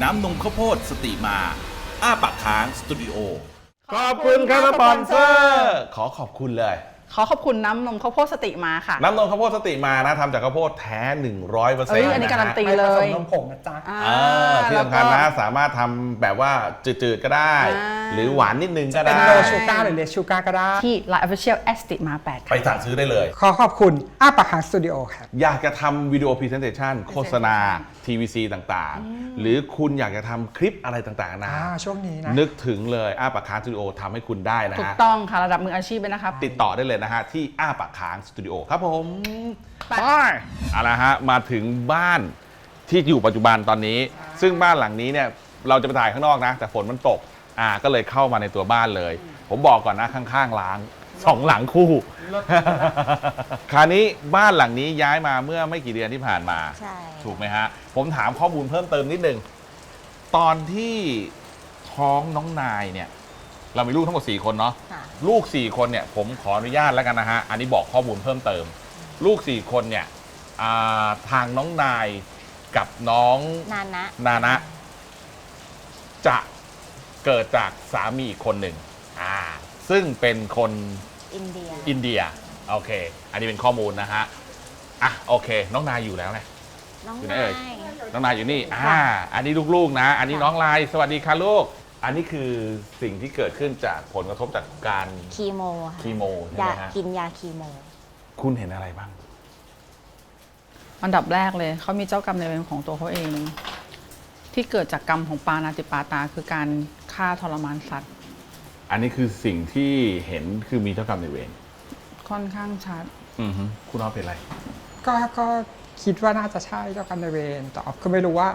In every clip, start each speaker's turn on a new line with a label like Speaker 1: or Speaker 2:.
Speaker 1: น้ำนมข้าวโพดสติมาอ้าปากค้างสตูดิโอ
Speaker 2: ขอบคุณครับสปอนเซอร์ขอบคุณเลย
Speaker 3: ขอบคุณน้ำนมข้าวโพดสติมาค่ะ
Speaker 2: น้ำนมข้าวโพดสติมานะทำจากข้าวโพดแท้ 100%
Speaker 3: อันนี้การันตีเลย
Speaker 4: ผสมนมผงนะจ๊ะ
Speaker 2: ที่สำคัญนะสามารถทำแบบว่าจืดๆก็ได้ หรือหวานนิดนึงก็ได้
Speaker 4: เป็นโลชูการ์หรือเลสชูการ์ก็ได้
Speaker 3: ที่ Line Official s t i ma 8
Speaker 2: ไปสั่งซื้อได้เลย
Speaker 4: ขอบคุณอ้าปากค้างสตูดิโอครับ
Speaker 2: อยากจะทำวิดีโอพรีเซนเทชันโฆษณา TVC ต่างๆ หรือคุณอยากจะทำคลิปอะไรต่างๆนะ
Speaker 4: ช่วงนี้นะ
Speaker 2: นึกถึงเลยอ้าปากค้างสตูดิโอทำให้คุณได้นะ
Speaker 3: ถูก
Speaker 2: ฮะ
Speaker 3: ต้องค่ะระดับมืออาชีพเลยนะครับ
Speaker 2: ติดต่อได้เลยนะฮะ ที่อ้าปากค้างสตูดิโอครับผม
Speaker 3: ไป
Speaker 2: เอาละฮะมาถึงบ้านที่อยู่ปัจจุบันตอนนี้ ซึ่งบ้านหลังนี้เนี่ยเราจะไปถ่ายข้างนอกนะ แต่ฝนมันตกก็เลยเข้ามาในตัวบ้านเลย ผมบอกก่อนนะข้างๆล้าง2 หลังคู่คราวนี้บ้านหลังนี้ย้ายมาเมื่อไม่กี่เดือนที่ผ่านมา
Speaker 5: ใช่
Speaker 2: ถูกไหมฮะผมถามข้อมูลเพิ่มเติมนิดนึงตอนที่ท้องน้องนายเนี่ยเรามีลูกทั้งหมด4 คนเนาะ
Speaker 5: ค่ะ
Speaker 2: ลูก4 คนเนี่ยผมขออนุญาตแล้วกันนะฮะอันนี้บอกข้อมูลเพิ่มเติม ลูก4 คนเนี่ยทางน้องนายกับน้อง
Speaker 5: นานะ
Speaker 2: จะเกิดจากสามีอีกคนหนึ่งซึ่งเป็นคน
Speaker 5: อินเดีย
Speaker 2: อินเดียโอเค อันนี้เป็นข้อมูลนะฮะโอเค น้องนายอยู่แล้วไง
Speaker 5: น้อง
Speaker 2: อยู่ไหน
Speaker 5: นา
Speaker 2: เอ่ย
Speaker 5: ย
Speaker 2: น้องนายอยู่นี่
Speaker 5: ค่ะ
Speaker 2: อันนี้ลูกๆนะ อันนี้
Speaker 5: ค่ะ
Speaker 2: น้องลายสวัสดีค่ะลูก อันนี้คือสิ่งที่เกิดขึ้นจากผลกระทบจากการ
Speaker 5: คีโมค่ะ
Speaker 2: คีโมใช่
Speaker 5: ยา
Speaker 2: ไหมฮะ
Speaker 5: กินยาคีโม
Speaker 2: คุณเห็นอะไรบ้าง
Speaker 3: อันดับแรกเลยเขามีเจ้ากรรมนายเวรของตัวเขาเอง ที่เกิดจากกรรมของปานาติปาตาคือการฆ่าทรมานสัตว์
Speaker 2: อันนี้คือสิ่งที่เห็นคือมีเจ้ากรรมนายเวร
Speaker 3: ค่อนข้างชัด
Speaker 2: คุณเอาเป็นอะไร
Speaker 4: ก็คิดว่าน่าจะใช่เจ้ากรรมนายเวรแต่ออฟก็ไม่รู้ว่า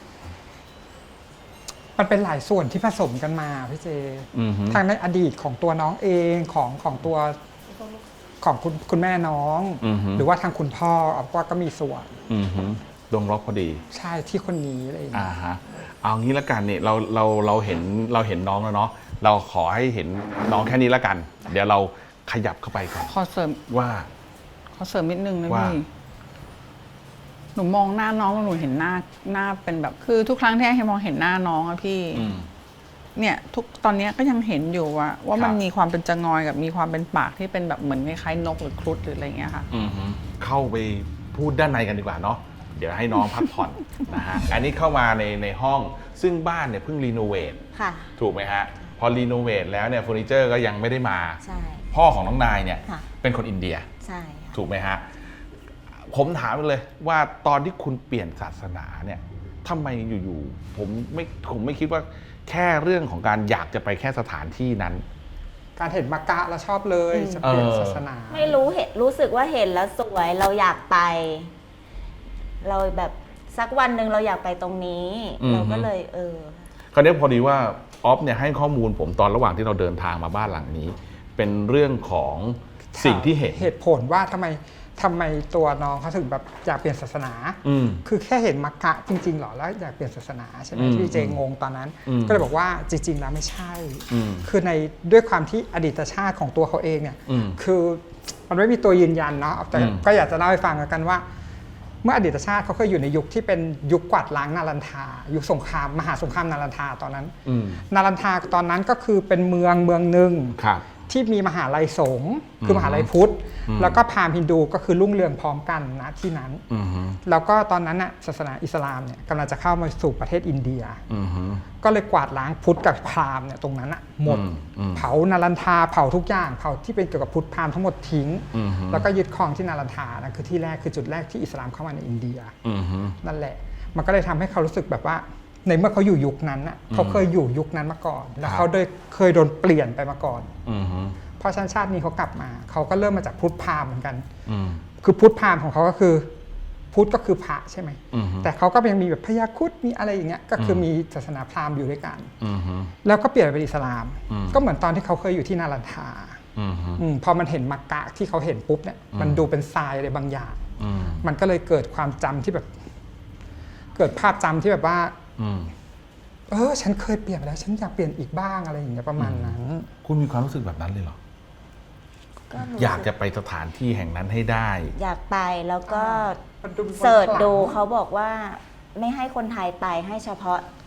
Speaker 4: มันเป็นหลายส่วนที่ผสมกันมาพี่เจ ทางในอดีตของตัวน้องเองของตัวของคุณแม่น้อง หรือว่าทางคุณพ่อออฟว่าก็มีส่วน
Speaker 2: ดวงล็อกพอดี
Speaker 4: ใช่ที่คนนี้อะไรอย่างเงี้ย
Speaker 2: ฮะเอางี้ละกันเนี่ยเราเห็นน้องแล้วเนาะเราขอให้เห็นน้องแค่นี้ละกัน เดี๋ยวเราขยับเข้าไปก่อน
Speaker 3: ขอเสริม
Speaker 2: ว่า
Speaker 3: นิดนึงนะ
Speaker 2: ว่า
Speaker 3: พี่ หนูมองหน้าน้องแล้วหนูเห็นหน้าเป็นแบบ คือทุกครั้งที่ให้มองเห็นหน้าน้องอะพี่ เนี่ยตอนนี้ก็ยังเห็นอยู่ว่ามันมีความเป็นจะงอยกับมีความเป็นปากที่เป็นแบบเหมือนคล้ายๆนกหรือครุฑหรืออะไรอย่างเงี้ยค่ะ
Speaker 2: เข้าไปพูดด้านในกันดีกว่าเนาะเดี๋ยวให้น้องพักผ่อน นะฮะอันนี้เข้ามาในห้องซึ่งบ้านเนี่ยเพิ่งรีโนเวท
Speaker 5: ค่ะ
Speaker 2: ถูกไหมฮะพอรีโนเวทแล้วเนี่ยเฟอร์นิเจอร์ก็ยังไม่ได้มา
Speaker 5: ใช่
Speaker 2: พ่อของน้องนายเนี่ย
Speaker 5: ค่ะ
Speaker 2: เป็นคนอินเดีย
Speaker 5: ใช่ค่ะ
Speaker 2: ถูกไหมฮะผมถามเลยว่าตอนที่คุณเปลี่ยนศาสนาเนี่ยทำไมอยู่ๆผมไม่คิดว่าแค่เรื่องของการอยากจะไปแค่สถานที่นั้น
Speaker 4: การเห็นมักกะแล้วชอบเลยจะเปลี่ยนศาสนา
Speaker 5: ไม่รู้สึกว่าเห็นแล้วสวยเราอยากไป เราแบบสักวันหนึ่งเราอยากไปตรงนี้ เราก็เลย
Speaker 2: คราวนี้พอดีว่าออฟเนี่ยให้ข้อมูลผมตอนระหว่างที่เราเดินทางมาบ้านหลังนี้ เป็นเรื่องของสิ่งที่เห็น
Speaker 4: เหตุผลว่าทำไมตัวน้องเขาถึงแบบอยากเปลี่ยนศาสนา คือแค่เห็นมักกะจริงๆหรอแล้วอยากเปลี่ยนศาสนาใช่ไหมพี่เจงงตอนนั้น ก็เลยบอกว่าจริงๆแล้วไม่ใช่ คือในด้วยความที่อดีตชาติของตัวเขาเองเนี่ยคือมันไม่มีตัวยืนยันเนาะแต่ก็อยากจะเล่าให้ฟังกันว่า เมื่ออดีตชาติเขาเคยอยู่ในยุคที่เป็นยุคกวาดล้างนารันทายุคสงครามมหาสงครามนารันทาตอนนั้นนารันทาตอนนั้นก็คือเป็นเมืองหนึ่งที่มีมหาลัยสงฆ์คือมหาลัยพุทธแล้วก็พราหมณ์ฮินดูก็คือรุ่งเรืองพร้อมกันนะที่นั้นแล้วก็ตอนนั้นน่ะศาสนาอิสลามเนี่ยกำลังจะเข้ามาสู่ประเทศอินเดียก็เลยกวาดล้างพุทธกับพราหมณ์เนี่ยตรงนั้นน่ะหมดเผานารันทาเผาทุกอย่างเผาที่เป็นเกี่ยวกับพุทธพราหมณ์ทั้งหมดทิ้งแล้วก็ยึดครองที่นารันทานั่นคือที่แรกคือจุดแรกที่อิสลามเข้ามาในอินเดียนั่นแหละมันก็เลยทำให้เขารู้สึกแบบว่าในเมื่อเขาอยู่ยุคนั้นน่ะเขาเคยอยู่ยุคนั้นมาก่อนแล้วเขาเคยโดนเปลี่ยนไปมาก่อนเพราะชาตินี้เขากลับมาเขาก็เริ่มมาจากพุทธพราหมณ์เหมือนกันคือพุทธพราหมณ์ของเขาก็คือพุทธก็คือพระใช่ไหมแต่เขาก็ยังมีแบบพญาครุฑมีอะไรอย่างเงี้ยก็คือมีศาสนาพราหมณ์อยู่ด้วยกันแล้วก็เปลี่ยนเป็นอิสลามก็เหมือนตอนที่เขาเคยอยู่ที่นารันทาพอมันเห็นมักกะที่เขาเห็นปุ๊บเนี่ยมันดูเป็นทรายอะไรบางอย่างมันก็เลยเกิดความจำที่แบบเกิดภาพจำที่แบบว่าฉันเคยเปลี่ยนไปแล้วฉันอยากเปลี่ยนอีกบ้างอะไรอย่างเงี้ยประมาณนั้น
Speaker 2: คุณมีความรู้สึกแบบนั้นเลยเหรออยากจะไปสถานที่แห่งนั้นให้ได้
Speaker 5: อยากไปแล้วก็เสิร์ชดูเขาบอกว่าไม่ให้คนไทยไปให้เฉพาะ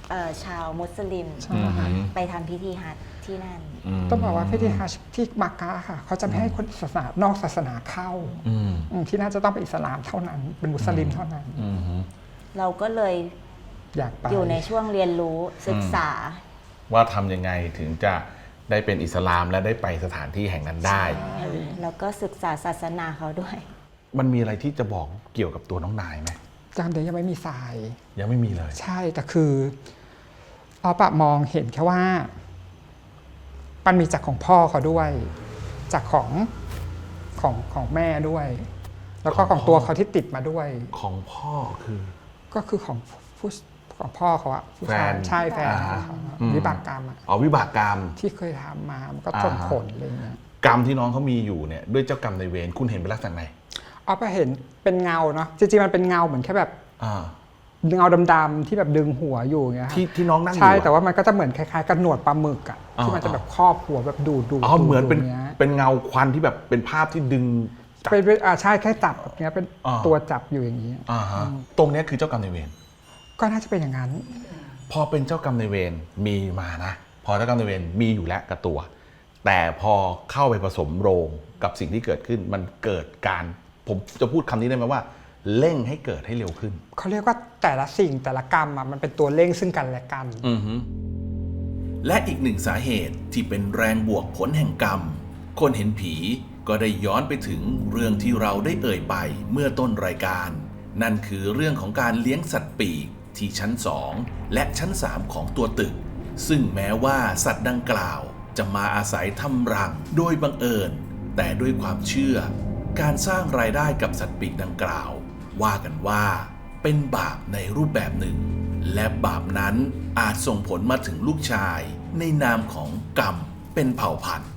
Speaker 5: ชาวมุสลิม
Speaker 4: ใช่ค่ะ
Speaker 5: ไปทำพิธีฮัจญ์ที่นั่น
Speaker 4: ต้องบอกว่าพิธีฮัจญ์ที่มักกะค่ะเขาจะไม่ให้คนศาสนานอกศาสนาเข้าที่น่าจะต้องเป็นอิสลามเท่านั้นเป็นมุสลิมเท่านั้น
Speaker 5: เราก็เลย
Speaker 4: อยากไป
Speaker 5: อยู่ในช่วงเรียนรู้ศึกษา
Speaker 2: ว่าทำยังไงถึงจะได้เป็นอิสลามและได้ไปสถานที่แห่งนั้นได้
Speaker 5: แล้วก็ศึกษาศาสนาเขาด้วย
Speaker 2: มันมีอะไรที่จะบอกเกี่ยวกับตัวน้องนายไหม
Speaker 4: จำเดี๋ยวยังไม่มีทราย
Speaker 2: ยังไม่มีเลย
Speaker 4: ใช่แต่คืออปะมองเห็นแค่ว่ามันมีจากของพ่อเขาด้วย จากของแม่ด้วย แล้วก็ของตัวเขาที่ติดมาด้วย
Speaker 2: ของพ่อคือ
Speaker 4: ก็คือของพ่อเขาอะผู้ชาย
Speaker 2: แฟน
Speaker 4: ใช่แฟน
Speaker 2: อ่า
Speaker 4: เขา
Speaker 2: อืม
Speaker 4: วิบากกรรมอะ
Speaker 2: อ๋อวิบากกรรม
Speaker 4: ที่เคยทำมามันก็ส่งผลอะไรเงี้ย
Speaker 2: กรรมที่น้องเขามีอยู่เนี่ยด้วยเจ้ากรรมในายเวรคุณเห็นเป็นลักษณะไหน
Speaker 4: อปะเห็นเป็นเงาเนาะจริงๆมันเป็นเงาเหมือนแค่แบบ
Speaker 2: อ่า
Speaker 4: เงาดำๆที่แบบดึงหัวอยู่อย่างเงี้ยค่ะ
Speaker 2: ที่น้องนั่งอยู่
Speaker 4: ใช่
Speaker 2: อะ
Speaker 4: แต่ว่ามันก็จะเหมือนคล้ายๆกับหนวดปลาหมึกอะ
Speaker 2: อ่า
Speaker 4: ที่มันจะแบบครอบหัวแบบดูด
Speaker 2: อ๋อเหมือนเป็น
Speaker 4: ย่างงี้ย
Speaker 2: เป็นเงาควันที่แบบเป็นภาพที่ดึงจับ
Speaker 4: เป็นใช่แค่จับแบบเนี้ยเป็น
Speaker 2: อ่า
Speaker 4: ตัวจับอยู่อย่างนี้
Speaker 2: อ่าฮะตรงเนี้ยคือเจ้ากรรมนายเวร
Speaker 4: ก็น่าจะเป็นอย่างนั้น
Speaker 2: พอเป็นเจ้ากรรมนายเวรมีมานะ พอเจ้ากรรมนายเวรมีอยู่แล้วกับตัว แต่พอเข้าไปผสมโรงกับสิ่งที่เกิดขึ้นมันเกิดการผมจะพูดคำนี้ได้ไหมว่าเร่งให้เกิดให้เร็วขึ้น
Speaker 4: เขาเรียกว่าแต่ละสิ่งแต่ละกรรมอะมันเป็นตัวเร่งซึ่งกันและกัน
Speaker 1: และอีกหนึ่งสาเหตุที่เป็นแรงบวกผลแห่งกรรม คนเห็นผีก็ได้ย้อนไปถึงเรื่องที่เราได้เอ่ยไปเมื่อต้นรายการ นั่นคือเรื่องของการเลี้ยงสัตว์ปีกที่ชั้น 2 และชั้น 3 ของตัวตึก ซึ่งแม้ว่าสัตว์ดังกล่าวจะมาอาศัยทำรังโดยบังเอิญ แต่ด้วยความเชื่อ การสร้างรายได้กับสัตว์ปีกดังกล่าว ว่ากันว่าเป็นบาปในรูปแบบหนึ่ง และบาปนั้นอาจส่งผลมาถึงลูกชายในนามของกรรมเป็นเผ่าพันธุ์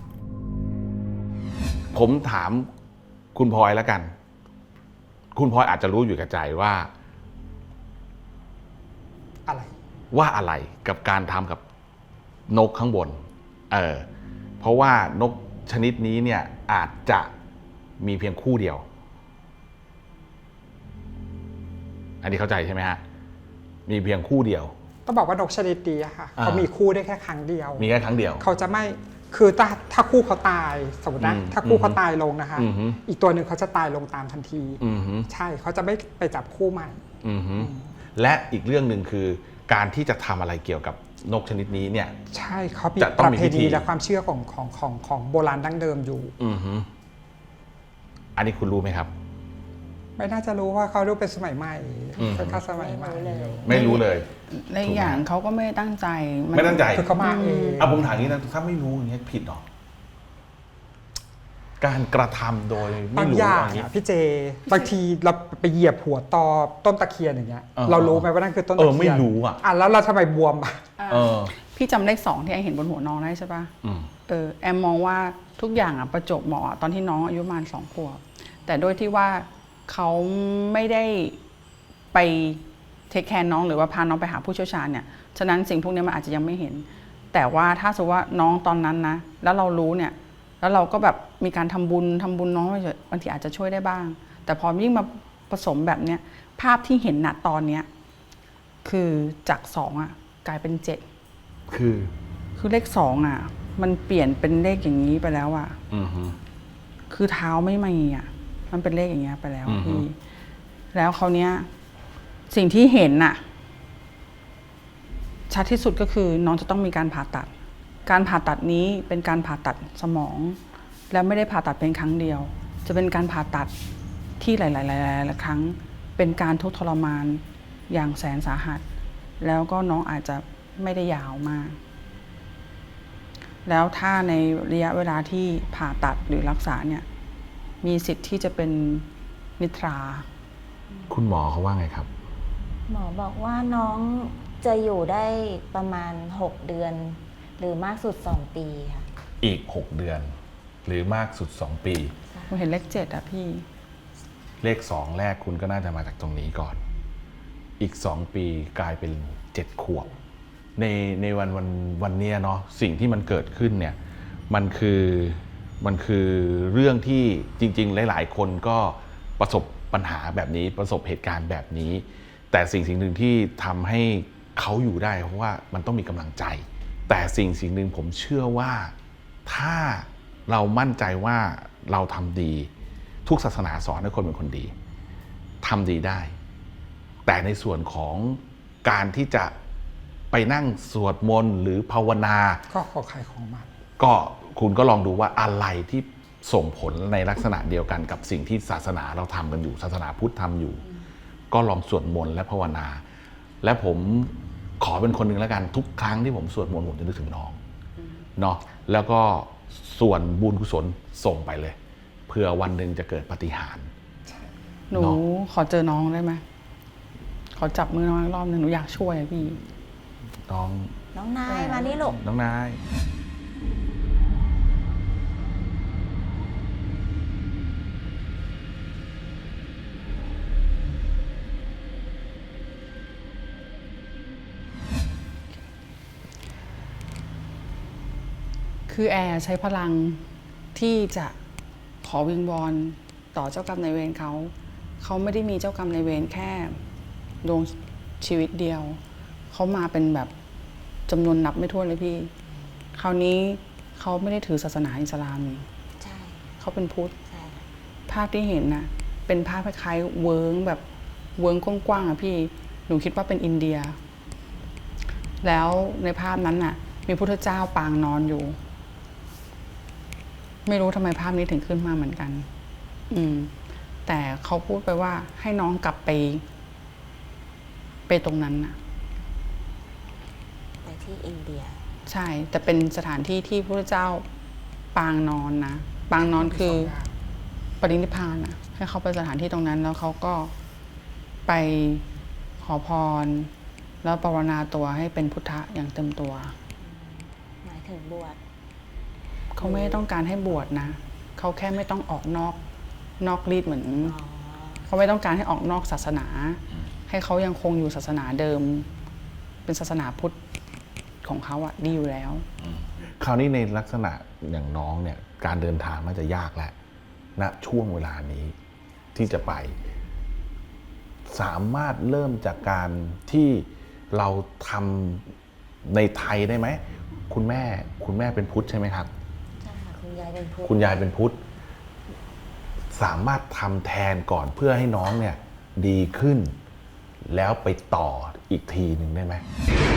Speaker 2: ผมถามคุณพลอยแล้วกัน คุณพลอยอาจจะรู้อยู่กับใจว่า
Speaker 4: อะไร
Speaker 2: อะไรกับการทำกับนกข้างบน เพราะว่านกชนิดนี้เนี่ยอาจจะมีเพียงคู่เดียว อันนี้เข้าใจใช่ไหมฮะ มีเพียงคู่เดียว
Speaker 4: ต้องบอกว่านกชนิดนี้อะค่ะ
Speaker 2: อ่า
Speaker 4: เขามีคู่ได้แค่ครั้งเดียว
Speaker 2: มีแค่ครั้งเดียว
Speaker 4: เขาจะไม่คือถ้าคู่เขาตายสมมตินะ
Speaker 2: อืม
Speaker 4: ถ้าคู่เขาตายลงนะคะ
Speaker 2: อือฮึ
Speaker 4: อีกตัวหนึ่งเขาจะตายลงตามทันที
Speaker 2: อือฮึ
Speaker 4: ใช่เขาจะไม่ไปจับคู่ใหม่
Speaker 2: อือฮึและอีกเรื่องหนึ่งคือการที่จะทำอะไรเกี่ยวกับนกชนิดนี้เนี่ย
Speaker 4: ใช่เขามี
Speaker 2: จะต้อ
Speaker 4: ป
Speaker 2: ง
Speaker 4: ระ
Speaker 2: มี
Speaker 4: เพ
Speaker 2: พิธี
Speaker 4: ณีและความเชื่อของโบราณดั้งเดิมอยู่
Speaker 2: อือฮึอันนี้คุณรู้ไหมครับ
Speaker 4: ไม่น่าจะรู้ว่าเขาดูเป็นสมัยใหม่
Speaker 2: อืม
Speaker 4: ค่อนข้างสมัยใหม่
Speaker 2: ไม่รู้เลย
Speaker 3: ในอย่างเขาก็ไม่ได้ตั้งใจ
Speaker 2: ไม่ตั้งใจ
Speaker 4: คือเขามาเอง
Speaker 2: อ่ะผมถามอย่างนี้นะถ้าไม่รู้อย่างเงี้ยผิดหรอ การกระทำโดยไม่
Speaker 4: บาง
Speaker 2: รู้
Speaker 4: อย่าง
Speaker 2: อย่างเงี้ย
Speaker 4: อะพี่เจบางทีเราไปเหยียบหัวตอต้นตะเคียนอย่างเงี้ย
Speaker 2: เออ
Speaker 4: เรารู้ไหมว่านั่นคือต้นตะเคียน
Speaker 2: ไม่รู้อะ
Speaker 4: แล้วเราทำไมบวมอะ
Speaker 2: เออ
Speaker 3: พี่จำเลข 2ที่ไอเห็นบนหัวน้องได้ใช่ปะ
Speaker 2: อืม
Speaker 3: แอมมองว่าทุกอย่างอ่ะประจวบเหมาะตอนที่น้องอายุประมาณ2 ขวบแต่โดยที่ว่าเขาไม่ได้ไปเทคแคร์น้องหรือว่าพาน้องไปหาผู้เชี่ยวชาญเนี่ยฉะนั้นสิ่งพวกนี้มันอาจจะยังไม่เห็น แต่ว่าถ้าสมมติว่าน้องตอนนั้นนะแล้วเรารู้เนี่ยแล้วเราก็แบบมีการทำบุญน้องไปเฉยบางทีอาจจะช่วยได้บ้าง แต่พอยิ่งมาผสมแบบเนี้ยภาพที่เห็นณตอนเนี้ยคือจาก2อ่ะกลายเป็น7คือเลข2อ่ะมันเปลี่ยนเป็นเลขอย่างนี้ไปแล้วอ่ะ
Speaker 2: อือฮึ
Speaker 3: คือเท้าไม่มีอ่ะมันเป็นเลขอย่างเงี้ยไปแล้ว
Speaker 2: อือฮึ
Speaker 3: พี่แล้วเขาวเนี้ยสิ่งที่เห็นน่ะชัดที่สุดก็คือน้องจะต้องมีการผ่าตัด การผ่าตัดนี้เป็นการผ่าตัดสมอง แล้วไม่ได้ผ่าตัดเป็นครั้งเดียว จะเป็นการผ่าตัดที่หลายๆครั้ง เป็นการทุกข์ทรมานอย่างแสนสาหัส แล้วก็น้องอาจจะไม่ได้ยาวมาก แล้วถ้าในระยะเวลาที่ผ่าตัดหรือรักษาเนี่ยมีสิทธิ์ที่จะเป็นนิทรา
Speaker 2: คุณหมอเขาว่าไงครับ
Speaker 5: หมอบอกว่าน้องจะอยู่ได้ประมาณ 6 เดือน หรือมากสุด 2 ปีค่ะ
Speaker 2: อีก 6 เดือน หรือมากสุด 2 ปี
Speaker 3: ผมเห็นเลข7อะพี่
Speaker 2: เลข 2 แรกคุณก็น่าจะมาจากตรงนี้ก่อน อีก 2 ปีกลายเป็น 7 ขวบ ในวันเนี้ยเนาะสิ่งที่มันเกิดขึ้นเนี่ยมันคือเรื่องที่จริงๆหลายๆคนก็ประสบปัญหาแบบนี้ประสบเหตุการณ์แบบนี้ แต่สิ่งหนึ่งที่ทำให้เขาอยู่ได้เพราะว่ามันต้องมีกำลังใจ แต่สิ่งหนึ่งผมเชื่อว่าถ้าเรามั่นใจว่าเราทำดีทุกศาสนาสอนให้คนเป็นคนดีทำดีได้ แต่ในส่วนของการที่จะไปนั่งสวดมนต์หรือภาวนา
Speaker 4: ก็ขอใครของมัน
Speaker 2: ก็คุณก็ลองดูว่าอะไรที่ส่งผลในลักษณะเดียวกันกับสิ่งที่ศาสนาเราทำกันอยู่ศาสนาพุทธทำอยู่ ก็ลองสวดมนต์และภาวนา และผมขอเป็นคนหนึ่งแล้วกันทุกครั้งที่ผมสวดมนต์ผมจะนึกถึงน้องเนาะแล้วก็ส่วนบุญกุศลส่งไปเลยเพื่อวันหนึ่งจะเกิดปาฏิหาริย์
Speaker 3: หนูขอเจอน้องได้ไหมขอจับมือน้องอีกรอบหนึงหนูอยากช่วยอะพี่
Speaker 2: น้อง
Speaker 5: น้องนายมานี่ลูก
Speaker 2: น้องนาย
Speaker 3: คือแอร์ใช้พลังที่จะขอวิงวอนต่อเจ้ากรรมนายเวรเขาไม่ได้มีเจ้ากรรมนายเวรแค่ดวงชีวิตเดียวเขามาเป็นแบบจำนวนนับไม่ถ้วนเลยพี่คราวนี้เขาไม่ได้ถือศาสนาอิสลามนี่
Speaker 5: ใช่
Speaker 3: เขาเป็นพุทธ
Speaker 5: ใช่
Speaker 3: ภาพที่เห็นน่ะเป็นภาพคล้ายๆเวิร์งแบบเวิร์งกว้างๆอ่ะพี่หนูคิดว่าเป็นอินเดีย แล้วในภาพนั้นน่ะมีพุทธเจ้าปางนอนอยู่ ไม่รู้ทำไมภาพนี้ถึงขึ้นมาเหมือนกัน แต่เขาพูดไปว่าให้น้องกลับไปตรงนั้นน่ะ
Speaker 5: ไปที่อินเดีย
Speaker 3: ใช่ แต่เป็นสถานที่ที่พระเจ้าปางนอนนะปางนอนคือปรินิพพานนะให้เขาไปสถานที่ตรงนั้น แล้วเขาก็ไปขอพร แล้วภาวนาตัวให้เป็นพุทธะอย่างเต็มตัว
Speaker 5: หมายถึงบวช
Speaker 3: เขาไม่ได้ต้องการให้บวชนะเขาแค่ไม่ต้องออกนอกรีดเหมือน
Speaker 5: อ๋อ
Speaker 3: เขาไม่ต้องการให้ออกนอกศาสนา ให้เขายังคงอยู่ศาสนาเดิม เป็นศาสนาพุทธของเขาอะดีอยู่แล้ว
Speaker 2: คราวนี้ในลักษณะอย่างน้องเนี่ยการเดินทางมันจะยากแล้วณช่วงเวลานี้ที่จะไป สามารถเริ่มจากการที่เราทำในไทยได้ไหมคุณแม่เป็นพุทธใช่ไหมครับ
Speaker 5: ใช่ค่ะคุณยายเป็นพุทธ
Speaker 2: คุณยายเป็นพุทธสามารถทำแทนก่อนเพื่อให้น้องเนี่ยดีขึ้น แล้วไปต่ออีกทีหนึ่งได้ไหม